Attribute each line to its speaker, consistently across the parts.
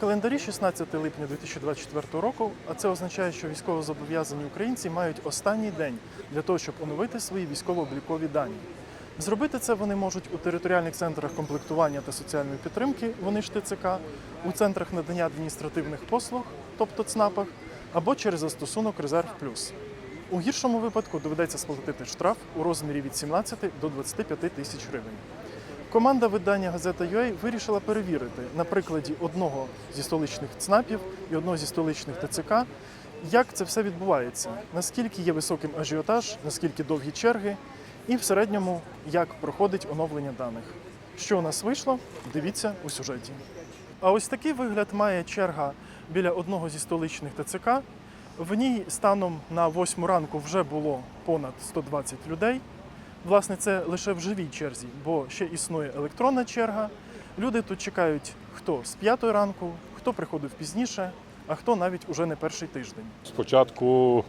Speaker 1: календарі 16 липня 2024 року, а це означає, що військовозобов'язані українці мають останній день для того, щоб оновити свої військово-облікові дані. Зробити це вони можуть у територіальних центрах комплектування та соціальної підтримки, вони ж ТЦК, у центрах надання адміністративних послуг, тобто ЦНАПах, або через застосунок «Резерв Плюс». У гіршому випадку доведеться сплатити штраф у розмірі від 17 до 25 тисяч гривень. Команда видання «Газета.UA» вирішила перевірити на прикладі одного зі столичних ЦНАПів і одного зі столичних ТЦК, як це все відбувається, наскільки є високим ажіотаж, наскільки довгі черги і в середньому, як проходить оновлення даних. Що у нас вийшло, дивіться у сюжеті. А ось такий вигляд має черга біля одного зі столичних ТЦК. В ній станом на 8 ранку вже було понад 120 людей. Власне, це лише в живій черзі, бо ще існує електронна черга. Люди тут чекають хто з 5 ранку, хто приходив пізніше, а хто навіть уже не перший тиждень.
Speaker 2: Спочатку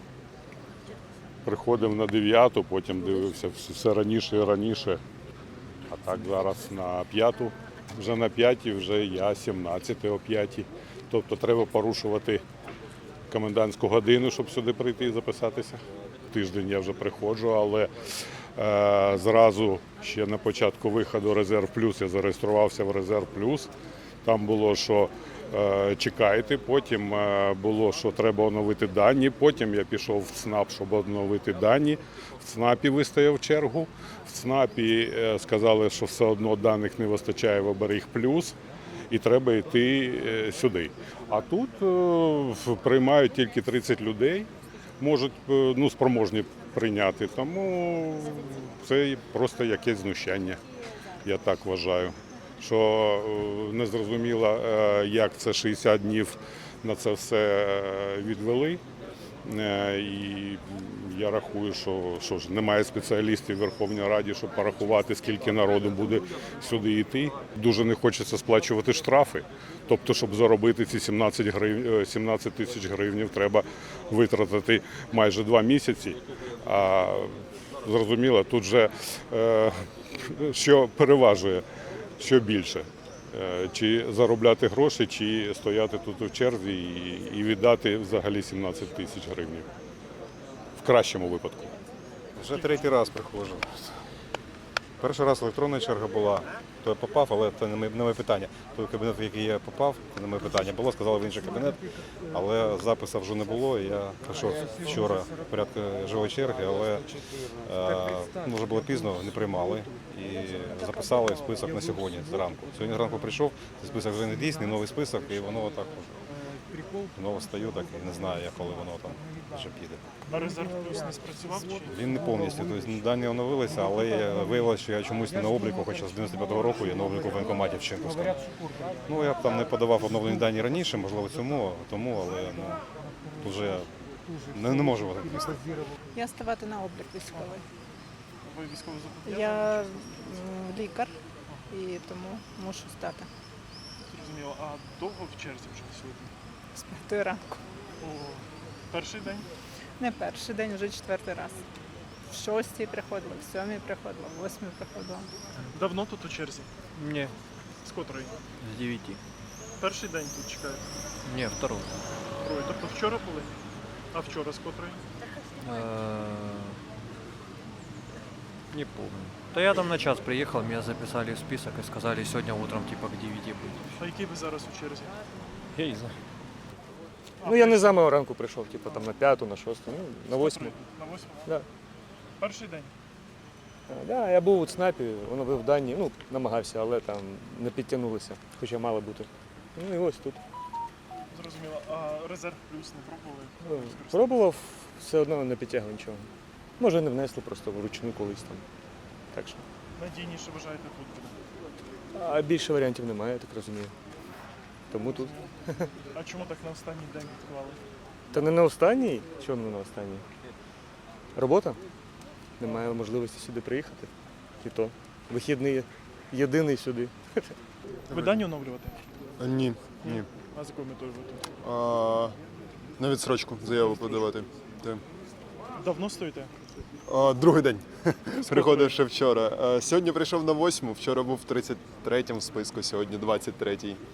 Speaker 2: приходив на 9, потім дивився все раніше і раніше. А так зараз на 5. Вже на 5, вже я 17 о 5. Тобто треба порушувати комендантську годину, щоб сюди прийти і записатися. Тиждень я вже приходжу, але зразу ще на початку виходу «Резерв Плюс» я зареєструвався в «Резерв Плюс». Там було, що чекайте, потім було, що треба оновити дані, потім я пішов в ЦНАП, щоб оновити дані. В ЦНАПі вистояв чергу, в ЦНАПі сказали, що все одно даних не вистачає в «Оберіг Плюс» і треба йти сюди. А тут приймають тільки 30 людей, можуть, спроможні прийняти, тому це просто якесь знущання, я так вважаю. Що не зрозуміло, як це 60 днів на це все відвели. І я рахую, що ж немає спеціалістів в Верховній Раді, щоб порахувати, скільки народу буде сюди йти. Дуже не хочеться сплачувати штрафи. Тобто, щоб заробити ці 17 тисяч гривень, треба витратити майже 2 місяці. А зрозуміло, тут же що переважує. Що більше? Чи заробляти гроші, чи стояти тут у черзі і віддати взагалі 17 тисяч гривень. В кращому випадку.
Speaker 3: Вже 3-й раз приходжу. Перший раз електронна черга була, то я попав, але це не моє питання. Той кабінет, в який я попав, це не моє питання. Було, сказали в інший кабінет, але запису вже не було. Я прийшов вчора в порядку живої черги, але вже було пізно, не приймали. І записали список на сьогодні зранку. Сьогодні зранку прийшов, цей список вже не дійсний, новий список, і воно отак знову стою, так і не знаю, коли воно там вже піде.
Speaker 1: А «Резерв Плюс» не спрацював?
Speaker 3: Він не повністю, тобто дані оновилися, але виявилося, що я чомусь не на обліку, хоча з 95-го року я на обліку в воєнкоматі в Ченківському. Я б там не подавав оновлені дані раніше, можливо, тому, але вже не можу в це.
Speaker 4: Я ставати на облік військовий.
Speaker 1: Ви військовозобов'язані?
Speaker 4: Я лікар і тому мушу стати
Speaker 1: Зрозуміло. А довго в черзі вже сьогодні?
Speaker 4: з 5 ранку.
Speaker 1: Перший день?
Speaker 4: Не перший день, вже 4-й раз. В 6-й приходила, в 7-й приходила, в 8-й приходила.
Speaker 1: Давно тут у черзі?
Speaker 5: Не,
Speaker 1: З котрої?
Speaker 5: с 9.
Speaker 1: Перший день тут чекаєте?
Speaker 5: Не, второй.
Speaker 1: Другий. Тобто вчора були? А вчора з котрої?
Speaker 5: Не помню. Да я там на час приехал, меня записали в список и сказали сегодня утром типа к 9 быть.
Speaker 1: А який ви зараз у черзі?
Speaker 5: Я не знаю.
Speaker 6: Я не з самого ранку прийшов, там на 5, на 6, на 8.
Speaker 1: На 8?
Speaker 6: Да.
Speaker 1: Перший день?
Speaker 6: Да, я був у ЦНАПі, оновив дані, намагався, але там не підтягнулися, хоча мало бути. І ось тут.
Speaker 1: Зрозуміло. А «Резерв Плюс» не пробували?
Speaker 6: Пробував, все одно не підтягли нічого. Може не внесли просто вручну колись там. Так що.
Speaker 1: Надійніше вважаєте тут буде?
Speaker 6: А більше варіантів немає, я так розумію. Тому тут.
Speaker 1: А чому так на останній день відклали?
Speaker 6: Та не на останній? Чому не на останній? Робота? Немає можливості сюди приїхати. І то. Вихідний єдиний сюди.
Speaker 1: Видання оновлювати?
Speaker 7: Ні.
Speaker 1: А з якою метою ви тут?
Speaker 7: На відсрочку заяву подавати.
Speaker 1: Давно стоїте?
Speaker 7: Другий день. Приходив ще вчора. Сьогодні прийшов на 8, вчора був в 33-му списку, сьогодні 23-й.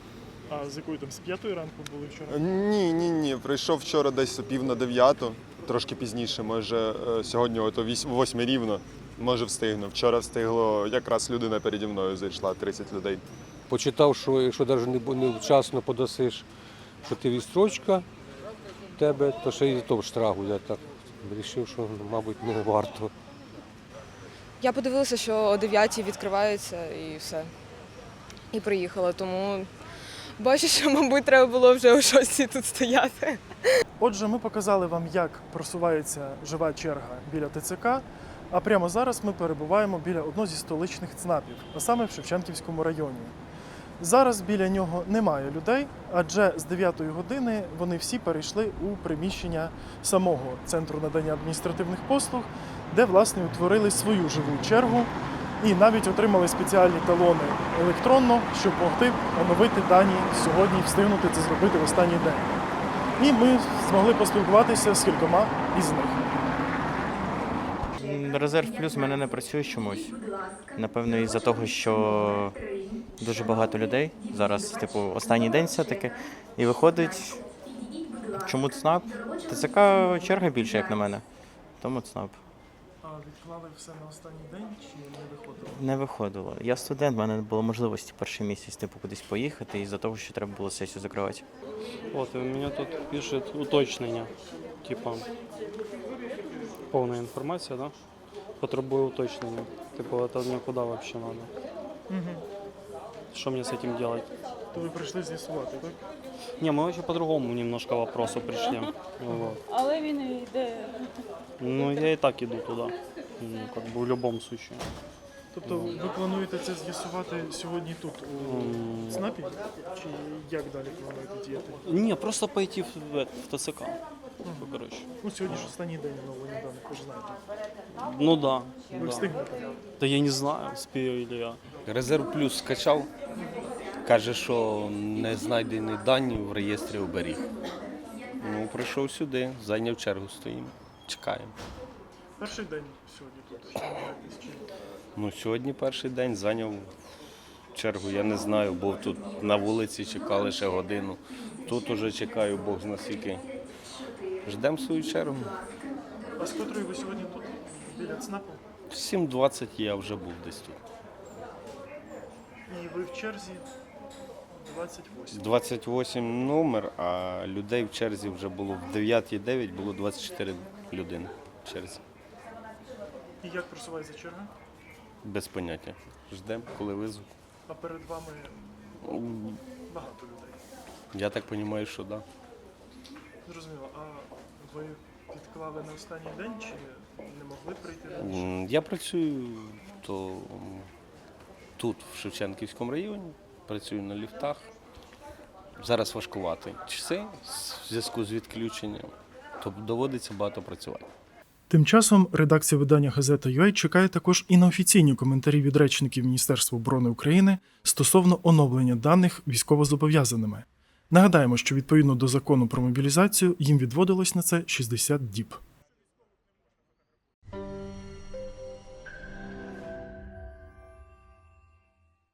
Speaker 1: А з якої там, з 5 ранку були вчора?
Speaker 7: Ні. Прийшов вчора десь о 8:45, трошки пізніше, може сьогодні о 8 рівно, може встигну. Вчора встигло, якраз людина переді мною зайшла, 30 людей.
Speaker 8: Почитав, що якщо навіть не вчасно подасиш, що ти відстрочка в тебе, то ще й то штрафу. Я так вирішив, що, мабуть, не варто.
Speaker 9: Я подивилася, що о 9-й відкриваються і все. І приїхала, тому бачу, що, мабуть, треба було вже о 6-й тут стояти.
Speaker 1: Отже, ми показали вам, як просувається жива черга біля ТЦК, а прямо зараз ми перебуваємо біля одного зі столичних ЦНАПів, а саме в Шевченківському районі. Зараз біля нього немає людей, адже з 9-ї години вони всі перейшли у приміщення самого Центру надання адміністративних послуг, де, власне, утворили свою живу чергу і навіть отримали спеціальні талони електронно, щоб могти оновити дані сьогодні і встигнути це зробити в останній день. І ми змогли поспілкуватися з кількома із них.
Speaker 10: Резерв плюс в мене не працює чомусь. Напевно, із-за того, що дуже багато людей. Зараз, типу, останній день все-таки. І виходить, чому ЦНАП? ТЦК черга більше, як на мене. Тому ЦНАП.
Speaker 1: А відклали все на останній день чи не виходило?
Speaker 10: Не виходило. Я студент, в мене не було можливості перший місяць, типу, кудись поїхати, із-за того, що треба було сесію закривати.
Speaker 11: Вот, и у меня тут пишет уточнення, типа повна інформація, да? Потребує уточнення. Типу, это мне куда вообще надо? Что мне с этим делать?
Speaker 1: То ви прийшли з'ясувати, так?
Speaker 11: Не, мы вообще по другому немножко вопросу пришли. Вот.
Speaker 4: Але він йде.
Speaker 11: Ну, я и так иду туда. Ну, как бы в любом случае.
Speaker 1: Тобто ви плануєте це з'ясувати сьогодні тут, у ЦНАПі? Чи як далі плануєте діяти?
Speaker 11: Не, просто пойти в ТЦК. Типа, короче.
Speaker 1: Ну, сьогодні ж останній день оновлення даних, ви ж знаєте.
Speaker 11: Ну да.
Speaker 1: Ви
Speaker 11: Да.
Speaker 1: встигнете?
Speaker 11: Да я не знаю, успею или я.
Speaker 12: Резерв плюс скачав, каже, що не знайдені дані в реєстрі оберіг. Ну, прийшов сюди, зайняв чергу, стоїмо, чекаємо.
Speaker 1: Перший день сьогодні тут. Що намагаєтесь чим?
Speaker 12: Ну, сьогодні перший день зайняв чергу, я не знаю, був тут на вулиці, чекали ще годину. Тут уже чекаю, Бог зна скільки. Ждемо свою чергу.
Speaker 1: А з котрої ви сьогодні тут? Біля ЦНАПу?
Speaker 12: 7:20 я вже був десь тут.
Speaker 1: І ви в черзі 28.
Speaker 12: 28 номер, а людей в черзі вже було в 9:09 було 24 людини в черзі.
Speaker 1: І як просувається черга?
Speaker 12: Без поняття. Ждемо, коли визвуть.
Speaker 1: А перед вами багато людей.
Speaker 12: Я так розумію, що так. Да.
Speaker 1: Зрозуміло. А ви відклали на останній день чи не могли прийти раніше?
Speaker 12: Я працюю тут, в Шевченківському районі, працюю на ліфтах. Зараз важкувати часи в зв'язку з відключенням, то доводиться багато працювати.
Speaker 1: Тим часом редакція видання «Газета.UA» чекає також і на офіційні коментарі від речників Міністерства оборони України стосовно оновлення даних військовозобов'язаними. Нагадаємо, що відповідно до закону про мобілізацію їм відводилось на це 60 діб.